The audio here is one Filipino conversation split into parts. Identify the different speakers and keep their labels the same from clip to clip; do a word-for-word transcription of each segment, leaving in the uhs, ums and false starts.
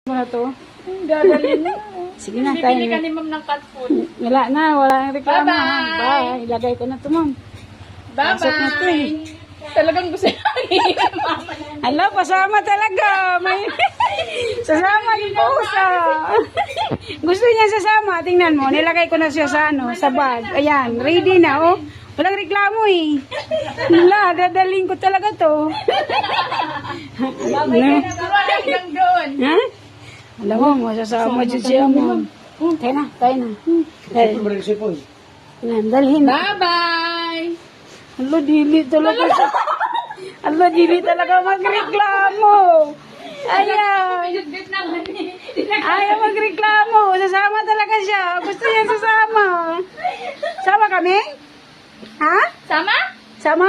Speaker 1: Ano to?
Speaker 2: Dadalhin na.
Speaker 1: Sige na,
Speaker 2: Bibili
Speaker 1: tayo
Speaker 2: ka
Speaker 1: na.
Speaker 2: ni ma'am ng cat food.
Speaker 1: Wala na, wala nang reklamo.
Speaker 2: Bye-bye.
Speaker 1: Bye. Ilagay ko na to, ma'am. Pasok na to eh.
Speaker 2: Bye-bye. Talagang gusto niya. Mama na.
Speaker 1: Ala, pasama talaga. May sasama yung pusa. Gusto niya sasama. Tingnan mo, nilagay ko na siya sa ano, sa bag. Ayan, ready na, oh. Walang reklamo eh. Wala, dadaling ko talaga to.
Speaker 2: Babay ka na. Wala hanggang doon.
Speaker 1: Ha? Alam mo, masasama dyan siya mo. Tayo na, tayo na. Tayo. Ayan, dalhin.
Speaker 2: Bye-bye.
Speaker 1: Alo, dili talaga siya. Alo, dili talaga magreklamo. Ayaw.
Speaker 2: Bidot naman eh.
Speaker 1: Ayaw magreklamo. Sasama talaga siya. Gusto niya sasama. Sama kami? Ha?
Speaker 2: Sama?
Speaker 1: Sama?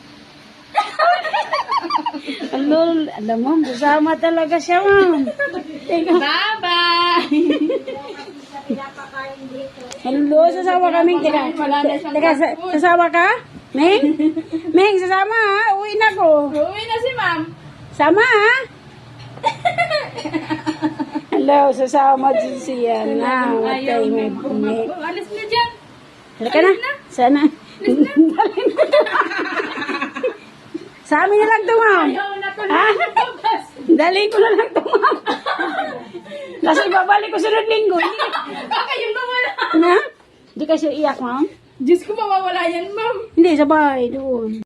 Speaker 1: Alo, alam mo, sasama talaga siya, ma'am. Teka.
Speaker 2: Bye-bye.
Speaker 1: Alo, sasama kami. Teka, teka, sa- sasama ka? Meng? Meng, sasama ha? Uwi na ko.
Speaker 2: Uwi na si ma'am.
Speaker 1: Sama ha? Hello, sasama din siya na.
Speaker 2: Ayaw
Speaker 1: Matay, may
Speaker 2: mo.
Speaker 1: bumi.
Speaker 2: Alis na dyan.
Speaker 1: Halika na. Sana. Dalhin ko to. Sa amin na lang to, ma'am.
Speaker 2: Ayaw na to.
Speaker 1: Ha? Dalhin ko na lang to, ma'am. Kasi babalik ko sunod linggo.
Speaker 2: Baka yung mawala.
Speaker 1: Na? Hindi kasi iyak, ma'am.
Speaker 2: Diyos ko, mawawala yan, ma'am.
Speaker 1: Hindi, sabay doon.